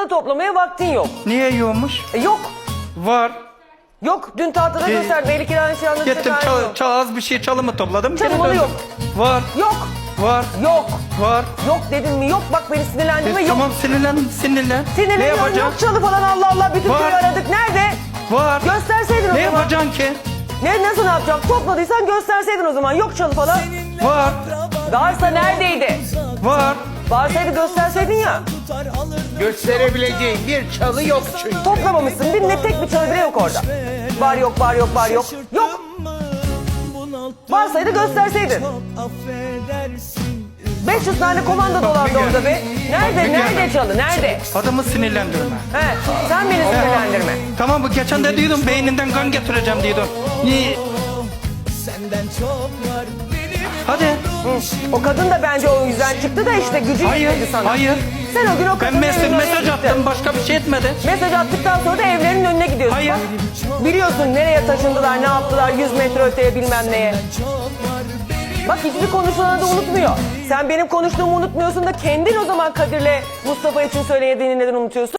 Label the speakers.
Speaker 1: Çalı toplamaya vaktin yok.
Speaker 2: Niye yiyormuş?
Speaker 1: Yok.
Speaker 2: Var.
Speaker 1: Yok. Dün tahtada gösterdim. Eli kiranın şey anlattı.
Speaker 2: Gittim az bir şey çalımı topladım.
Speaker 1: Çalı
Speaker 2: geri
Speaker 1: malı
Speaker 2: döndüm.
Speaker 1: yok.
Speaker 2: Var.
Speaker 1: Yok.
Speaker 2: Var.
Speaker 1: Yok.
Speaker 2: Var.
Speaker 1: Yok dedim mi? Yok. Bak beni sinirlendirme. Yok.
Speaker 2: Tamam sinirlen. Ne
Speaker 1: Sinirleniyorum.
Speaker 2: yapacağım?
Speaker 1: Yok çalı falan. Allah Allah. Bütün
Speaker 2: Var.
Speaker 1: köyü aradık. Nerede?
Speaker 2: Var.
Speaker 1: Gösterseydin o
Speaker 2: Ne
Speaker 1: zaman.
Speaker 2: yapacaksın ki?
Speaker 1: Nasıl yapacağım? Topladıysan gösterseydin o zaman. Yok çalı falan.
Speaker 2: Var.
Speaker 1: Varsa neredeydi?
Speaker 2: Var.
Speaker 1: Varsaydı gösterseydin ya.
Speaker 3: Gösterebileceğin bir çalı yok çünkü.
Speaker 1: Toplamamışsın. Tek bir çalı bile yok orada. Var yok, var yok, var yok. Yok. Varsaydı gösterseydin. 500 tane komando dolandı orada be. Nerede çalı? Nerede?
Speaker 2: Adamı sinirlendirme.
Speaker 1: He, sen beni sinirlendirme.
Speaker 2: Tamam bu geçen de diyordum beyninden kan getireceğim diyordum. Niye? Hadi.
Speaker 1: O kadın da bence o yüzden çıktı da işte gücü
Speaker 2: Hayır.
Speaker 1: yetmedi sana.
Speaker 2: Hayır.
Speaker 1: Sen o gün o
Speaker 2: Ben
Speaker 1: kadının evinin
Speaker 2: mesaj
Speaker 1: önüne
Speaker 2: attım
Speaker 1: gittin.
Speaker 2: başka bir şey etmedi.
Speaker 1: Mesaj attıktan sonra da evlerinin önüne gidiyorsun.
Speaker 2: Hayır.
Speaker 1: Bak, biliyorsun nereye taşındılar, ne yaptılar, 100 metre öteye bilmem neye. Bak hiçbir konuşulanı da unutmuyor. Sen benim konuştuğumu unutmuyorsun da kendin o zaman Kadir'le Mustafa için söylediğini neden unutuyorsun?